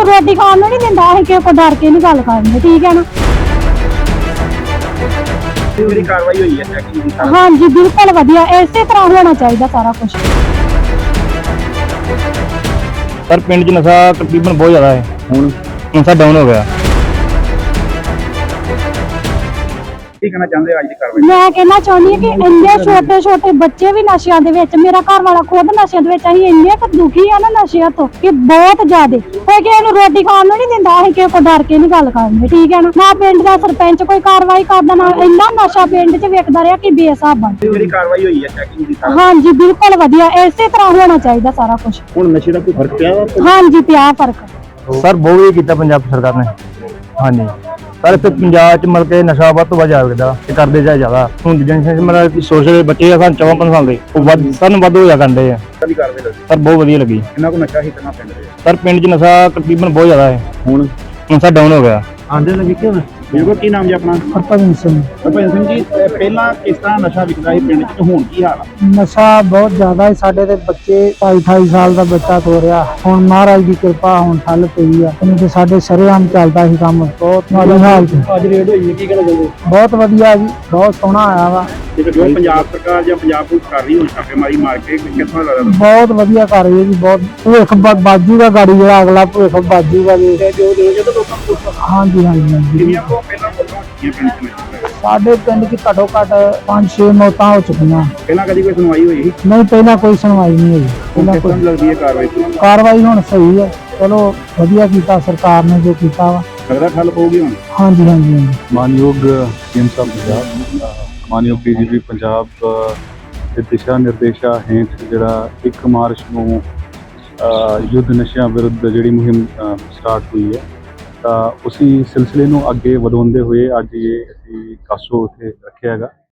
रोटी खाण ਨੂੰ ਨਹੀਂ ਦਿੰਦਾ ਅਸੀਂ ਕਿਸੇ ਕੋ ਡਰ ਕੇ ਨਹੀਂ ਗੱਲ ਕਰਦੇ ਠੀਕ ਹੈ ਨਾ ਜਿਹੜੀ ਕਾਰਵਾਈ ਹੋਈ ਹੈ ਚੈਕਿੰਗ ਦੀ ਹਾਂਜੀ ਬਿਲਕੁਲ ਵਧੀਆ ਇਸੇ ਤਰ੍ਹਾਂ ਹੋਣਾ ਚਾਹੀਦਾ ਸਾਰਾ ਕੁਝ सर पिंड च नशा तकरीबन बहुत ज़्यादा है हूँ नशा डाउन हो गया ਕੀ ਕਹਿਣਾ ਚਾਹੁੰਦੇ ਹੋ ਅੱਜ ਦੀ ਕਾਰਵਾਈ ਮੈਂ ਕਹਿਣਾ ਚਾਹੁੰਦੀ ਹਾਂ ਕਿ ਇੰਨੇ ਛੋਟੇ ਛੋਟੇ ਬੱਚੇ ਵੀ ਨਸ਼ਿਆਂ ਦੇ ਵਿੱਚ ਮੇਰਾ ਘਰ ਵਾਲਾ ਖੁਦ ਨਸ਼ਿਆਂ ਦੇ ਵਿੱਚ ਅਸੀਂ ਇੰਨੇ ਕੁ ਦੁਖੀ ਆ ਨਾ ਨਸ਼ਿਆਂ ਤੋਂ ਕਿ ਬਹੁਤ ਜ਼ਿਆਦੇ ਕੋਈ ਕਿਸੇ ਨੂੰ ਰੋਟੀ ਖਾਣ ਨੂੰ ਨਹੀਂ ਦਿੰਦਾ ਅਸੀਂ ਕਿਸੇ ਕੋ ਡਰ ਕੇ ਨਹੀਂ ਗੱਲ ਕਰਦੇ ਠੀਕ ਹੈ ਨਾ ਪਿੰਡ ਦਾ ਸਰਪੰਚ ਕੋਈ ਕਾਰਵਾਈ ਕਰਦਾ ਨਾ ਇੰਨਾ ਨਸ਼ਾ ਪਿੰਡ 'ਚ ਵੇਖਦਾ ਰਿਹਾ ਕਿ ਬੇਹਿਸਾਬ ਬਣ ਜਿਹੜੀ ਕਾਰਵਾਈ ਹੋਈ ਹੈ ਚੈਕਿੰਗ ਦੀ ਹਾਂਜੀ ਬਿਲਕੁਲ ਵਧੀਆ ਇਸੇ ਤਰ੍ਹਾਂ ਹੋਣਾ ਚਾਹੀਦਾ ਸਾਰਾ ਕੁਝ ਹੁਣ ਨਸ਼ੇ ਦਾ ਕੋਈ ਫਰਕ ਪਿਆ ਵਾ ਹਾਂਜੀ ਪਿਆ ਫਰਕ सर बहुत ही किया पंजाब सरकार ने हाँ जी सर इतने पंजाब च मतलब कि नशा वध तो वध जाएगा करते जाए ज़्यादा हूँ जनरेशन मतलब सोशल बच्चे सन 54 साल के सन वध होया करते हैं ਕਦੀ ਕਾਰਵਾਈ ਲੱਗੀ सर बहुत वधिया लगी ਇਹਨਾਂ ਕੋ ਨਸ਼ਾ ਹੀ ਕਰਨਾ ਪਿੰਡ ਦੇ सर पिंड च नशा तकरीबन बहुत ज़्यादा है ਹੁਣ नशा डाउन हो गया ਆਂਦੇ ਲੱਗੇ ਕਿਉਂ ਬਿਲਕੁਲ ਕੀ ਨਾਮ ਜੀ ਆਪਣਾ ਹਰਭਜਨ ਸਿੰਘ ਭਜਨ ਸਿੰਘ ਜੀ ਪਹਿਲਾਂ ਕਿਸ ਤਰ੍ਹਾਂ ਨਸ਼ਾ ਵਿਕਦਾ ਸੀ ਪਿੰਡ 'ਚ ਹੁਣ ਕੀ ਹਾਲ ਆ ਨਸ਼ਾ ਬਹੁਤ ਜ਼ਿਆਦਾ ਹੈ ਸਾਡੇ ਦੇ ਬੱਚੇ 28 ਸਾਲ ਦਾ ਬੱਚਾ ਹੋ ਰਿਹਾ ਹੁਣ ਮਹਾਰਾਜ ਦੀ ਕਿਰਪਾ ਹੁਣ ਠੱਲ ਪਈ ਆ ਨਹੀਂ ਤੇ ਸਾਡੇ ਸ਼ਰੇਆਮ ਚੱਲਦਾ ਸੀ ਕੰਮ ਬਹੁਤ ਮਾੜੀ ਹਾਲਤ ਅੱਜ ਰੇਡ ਹੋਈ ਹੈ ਕੀ ਕਹਿਣਾ ਚਾਹੁੰਦੇ ਬਹੁਤ ਵਧੀਆ ਜੀ ਬਹੁਤ ਸੋਹਣਾ ਆਇਆ ਵਾ ਜੋ ਪੰਜਾਬ ਸਰਕਾਰ ਜਾਂ ਪੰਜਾਬ ਪੁਲਿਸ ਕਰ ਰਹੀ ਹੁਣ ਛਾਪੇਮਾਰੀ ਮਾਰ ਕੇ ਕਿੱਥੋਂ ਲੱਗਦਾ ਬਹੁਤ ਵਧੀਆ ਕਰ ਰਹੀ ਹੈ ਜੀ ਬਹੁਤ ਭੁੱਖ ਬਾਜੂਗਾ ਗਾੜੀ ਜਿਹੜਾ ਅਗਲਾ ਭੁੱਖ ਬਾਜੂਗਾ ਜੀ ਜੋ ਜਦੋਂ ਲੋਕਾਂ ਨੂੰ ਹਾਂਜੀ ਹਾਂਜੀ ਹਾਂਜੀ ਕਿੰਨੀਆਂ ਕੋ ਪਹਿਲਾਂ ਫੋਟੋਆਂ ਖਿੱਚੀਆਂ ਪਿੰਡ 'ਚ ਸਾਡੇ ਪਿੰਡ 'ਚ ਘੱਟੋ ਘੱਟ 5-6 ਮੌਤਾਂ ਹੋ ਚੁੱਕੀਆਂ ਪਹਿਲਾਂ ਕਦੀ ਕੋਈ ਸੁਣਵਾਈ ਹੋਈ ਸੀ ਨਹੀਂ ਪਹਿਲਾਂ ਕੋਈ ਸੁਣਵਾਈ ਨਹੀਂ ਹੋਈ ਹੁਣ ਪਹਿਲਾਂ ਕਿਸ ਤਰ੍ਹਾਂ ਲੱਗਦੀ ਹੈ ਕਾਰਵਾਈ ਕਾਰਵਾਈ ਹੁਣ ਸਹੀ ਹੈ ਚਲੋ ਵਧੀਆ ਕੀਤਾ ਸਰਕਾਰ ਨੇ ਜੋ ਕੀਤਾ ਵਾ ਲੱਗਦਾ ਠੱਲ ਪਊਗੀ ਹੁਣ ਹਾਂਜੀ ਹਾਂਜੀ ਹਾਂਜੀ ਮਾਨਯੋਗ ਸੀਐਮ ਸਾਹਿਬ ਪੰਜਾਬ ਮਾਨਯੋਗ ਡੀਜੀਪੀ ਪੰਜਾਬ ਦੇ ਦਿਸ਼ਾ ਨਿਰਦੇਸ਼ਾਂ ਹੇਠ ਜਿਹੜਾ 1 ਮਾਰਚ ਨੂੰ ਯੁੱਧ ਨਸ਼ਿਆਂ ਵਿਰੁੱਧ ਜਿਹੜੀ ਮੁਹਿੰਮ ਸਟਾਰਟ ਹੋਈ ਹੈ ਤਾਂ ਉਸੇ ਸਿਲਸਿਲੇ ਨੂੰ ਅੱਗੇ ਵਧਾਉਂਦੇ ਹੋਏ ਅੱਜ ਇਹ ਅਸੀਂ ਕਾਸੋ ਉੱਥੇ ਰੱਖਿਆ ਹੈਗਾ